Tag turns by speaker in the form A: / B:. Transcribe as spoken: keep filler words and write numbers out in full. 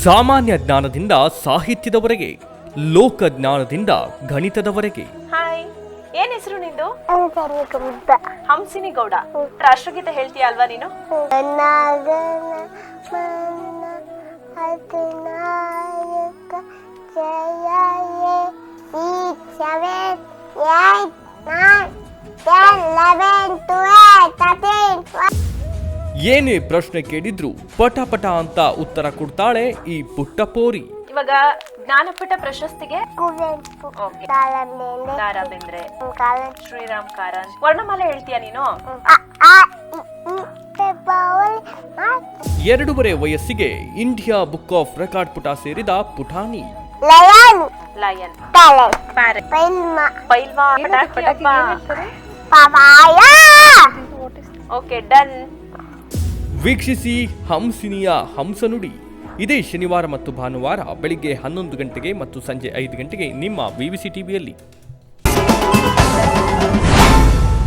A: ಸಾಮಾನ್ಯ ಜ್ಞಾನದಿಂದ ಸಾಹಿತ್ಯದವರೆಗೆ, ಲೋಕ ಜ್ಞಾನದಿಂದ ಗಣಿತದವರೆಗೆ.
B: ಹಾಯ್, ಏನ್ ಹೆಸರು ನಿಂದು? ಹಂಸಿನಿ ಗೌಡ. ರಾಷ್ಟ್ರಗೀತೆ ಹೇಳ್ತೀಯ ಅಲ್ವಾ ನೀನು?
A: ಏನೇ ಪ್ರಶ್ನೆ ಕೇಳಿದ್ರು ಪಟ ಪಟ ಅಂತ ಉತ್ತರ ಕೊಡ್ತಾಳೆ ಈ ಪುಟ್ಟ ಪೋರಿ.
B: ಇವಾಗ ಜ್ಞಾನಪೀಠ ಪ್ರಶಸ್ತಿಗೆ ದಾರಾ ಬೇಂದ್ರೆ, ಶ್ರೀರಾಮ್ ಕಾರಂತ್, ವರ್ಣಮಾಲೆ ಹೇಳ್ತೀಯ ನೀನು?
A: ಎರಡೂವರೆ ವಯಸ್ಸಿಗೆ ಇಂಡಿಯಾ ಬುಕ್ ಆಫ್ ರೆಕಾರ್ಡ್ ಪುಟ ಸೇರಿದ ಪುಟಾಣಿ.
B: Lion, okay done.
A: ವೀಕ್ಷಿಸಿ ಹಂಸಿನಿಯ ಹಂಸನುಡಿ. ಇದೇ ಶನಿವಾರ ಮತ್ತು ಭಾನುವಾರ ಬೆಳಿಗ್ಗೆ ಹನ್ನೊಂದು ಗಂಟೆಗೆ ಮತ್ತು ಸಂಜೆ ಐದು ಗಂಟೆಗೆ ನಿಮ್ಮ ವಿವಿಸಿ ಟಿವಿಯಲ್ಲಿ.